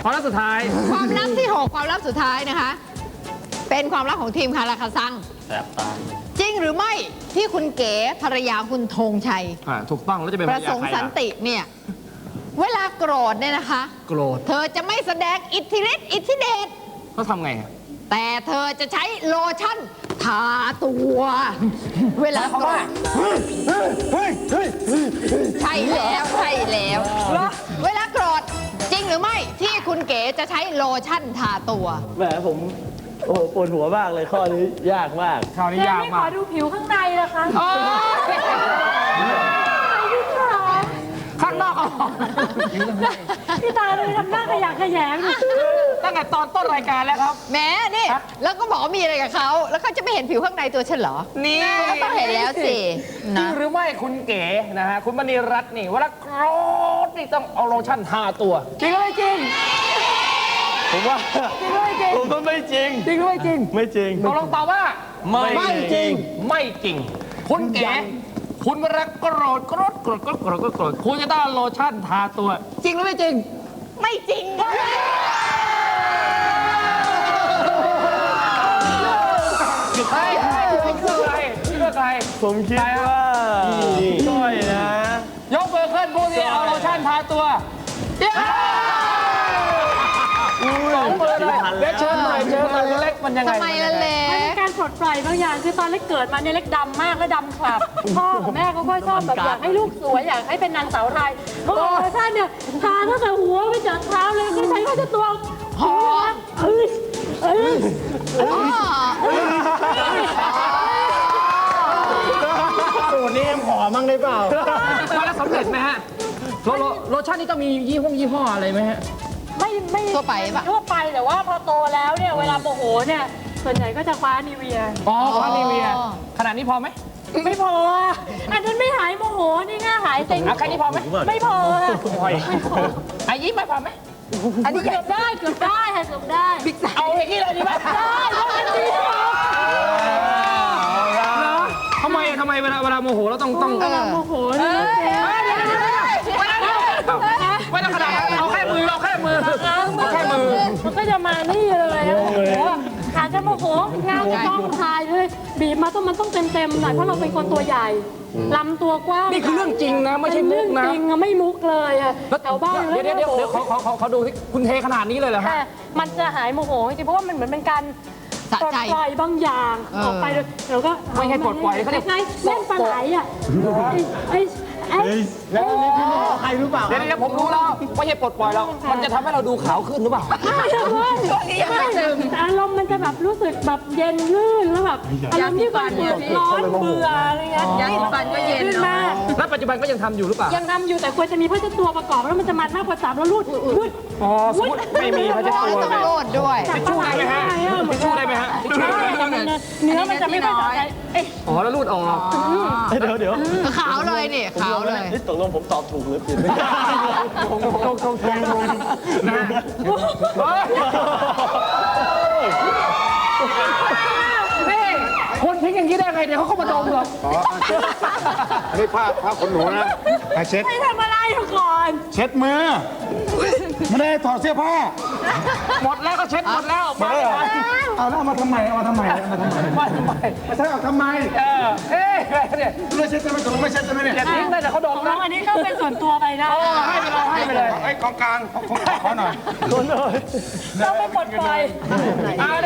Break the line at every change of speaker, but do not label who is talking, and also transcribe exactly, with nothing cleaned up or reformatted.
ความลับสุดท้าย
ความลับที่หกความลับสุดท้ายนะคะเป็นความลับของทีมคาราคาซัง
แสบตา
จริงหรือไม่ที่คุณเก๋ภรรยาคุณธงชัย
ถูกต้องแล้วจะเป็น
ประสงค์สันติเนี่ยเวลาโกรธเนี่ยนะคะ
โกรธ
เธอจะไม่แสดงอิทธิฤทธิ์อิทธิเดช
เขาทำไง
แต่เธอจะใช้โลชั่นทาตัวเวลาโกรธใช่แล้วใช่แล้วเวลาโกรธจริงหรือไม่ที่คุณเก๋จะใช้โลชั่นทาตัว
แหมผมโอ้โหปวดหัวมากเลยข้อนี้ยากมาก
ข้อนี้ยากมาก
ขอดูผิวข้างในนะคะ
ข้างนอกเอา
พี่ตาเลยทำหน้าขยะแขยง
ตั้งแต่ตอนต้นรายการแล้วครับ
แม่นี่แล้วก็บอกว่ามีอะไรกับเขาแล้วเขาจะไม่เห็นผิวข้างในตัวฉันเหรอ
นี่
ก็ต้องเห็นแล้วสิ
จริงหรือไม่คุณเก๋นะฮะคุณมณีรัตน์นี่เวลาโกรธนี่ต้องเอาโลชั่นทาตัว
จริงหรือไม่จริง
ผมว่า
จริงหรือไม่จริง
ผมว่าไม่จริง
จริงหรือไม่จริง
ไม่จริง
ตกลงตอบว่า
ไม่จริง
ไม่จริงคุณเก๋คุณเวลาโกรธโกรธโกรธโกรธโกรธโกรธคุณจะต้องโลชั่นทาตัวจริงหรือไม่จริง
ไม่จริง
ใครใครใครใคร
ผมคิดว่าก้อยนะ
ยกมือขึ้นผู้ที่เอาโลชั่นทาตัวสองมือเลยเล็กเชิญหน่อยเชิญหน่อยเล็กมันยังไง
ทำไมล่ะเล็ก
มันเป็นการปลดปล่อยบางอย่างคือตอนเล็กเกิดมาเนี่ยเล็กดำมากและดำคลับพ่อกับแม่เขาก็ชอบแบบอยากให้ลูกสวยอยากให้เป็นนางสาวไทยโอ้ยท่านเนี่ยทาตั้งแต่หัวไปจนเท้าเลยก็ใช้ก็จะตัวหอมเอ้ยเอ้ย
สูตรนี้เอ็มขอมั่งได้เปล่า
มาแล้วสำเร็จไหมฮะโลชั่นนี่ต้องมียี่ห้อยี่ห้ออะไรไหมฮะ
ไม่ไม่
ทั่วไปปะ
ทั่วไปแต่ว่าพอโตแล้วเนี่ยเวลาโมโหเนี่ยส่วนใหญ่ก็จะคว้านิเวีย
อ๋อคว้านิเวียขนาดนี้พอไหม
ไม่พออันนั้นไม่หายโมโหนี่ง่าหายเซ็ง
แค่นี้พอไหม
ไม่พอ
ไม่พอไอ้ยิ้มไม่พอไหม
อันนี้เกือบได้เกือบได้ค่ะเกือบได้
เอาอย่างนี้เลยดีไหม
ได้เพราะอันนี้
ทำไมทำไมเวลาเวลาโมโหเราต้องต้อง
เวลาโมโหเนี่ย
ไม่ต้องขนาดเอาแค่มือเอาแค่มือเอาแค่มือ
มันก็จะมานี่เลยโอ้โหอาจจะโมโหงานจะต้องทายเลยบีบมาต้องมันต้องเต็มๆหน่อยเพราะเราเป็นคนตัวใหญ่ลำตัวกว้าง
นี่คือเรื่องจริงนะไม่ใช่มุกนะ
จริงอะไม่มุกเลยอะแถวบ้าน
เดี๋ยวเดี๋ยวเดี๋ยวเขาเขาเขาดูที่คุณเทขนาดนี้เลยเหรอฮะ
มันจะหายโมโหจริงเพราะว่ามันเหมือนเป็นการปลดปล่อยบางอย่างออกไปแล้วก็
ไม่ให้ปลดปล่อยเขาเรียก
ไงเล่นปลาไหลอะไอ้ไอ้
แล้วอันนี้พี่โมใครรู้เปล่า
เดี๋ยวเดี๋ยวผมรู้แล้วไม่ใช่ปลดปล่อยแล้วมันจะทำให้เราดูขาวขึ้นหรือเปล่า
ไม่ใช่แต่อารมณ์มันจะแบบรู้สึกแบบเย็นลื่นแล้วแบบอารมณ์ที่แบบร้อนเบื่ออะไรเงี้ย
ยาสีฟันก็เย็น
มาก
แล้วปัจจุบันก็ยังทำอยู่หรือเปล่า
ยังทำอยู่แต่ควรจะมีผ้าเช็ดตัวประกอบแล้วมันจะมันมากกว่าสามแล้วรูดรูด
อ๋อไม่มีผ้าเช็ดตัว
ต้องรูดด้วย
ทิชชู่ได้ไหมฮะทิชชู่ได้ไหมฮะ
เนื้อมันจะไม่ค่อยใส
อ๋อแล้วรูดออก
เดี๋ยวเดี๋ยว
ขาวเลยนี่ขาวเลย
นี่ตกลงผมตอบถูกหรือผิด
คงคงคงคงนะนี่คนทิ้งอย่างนี้ได้ไงเดี๋ยวเขาเข้ามาดมเหรอ
อันนี้ผ้าผ้าขนหนูนะไปเช็ด
ไม่ทำอะไรก่อน
เช็ดมือไม่ได้ถอดเสื้อผ้า
หมดแล้วก็เช็ดหมดแล้ว
มาเอาแล้วมาทำไมเอามาทำไมเอามาทำไม
มาทำไม
มาใช่เอาทำไม
เออเอ๊ะเนี่ย
ไม่เช็ดจะไม่ตกลงไม่เช็ดจะไม่เนี่ย
อย่าทิ้งเลยแต่เขาดมนะ
อันนี้ก็เป็นส่วนตัวไปนะ
ให้ไปเลยให้ไปเลย
ไอ้กองกลางขอหน่อย
ต้องไม่ปลดปล่อย
เอา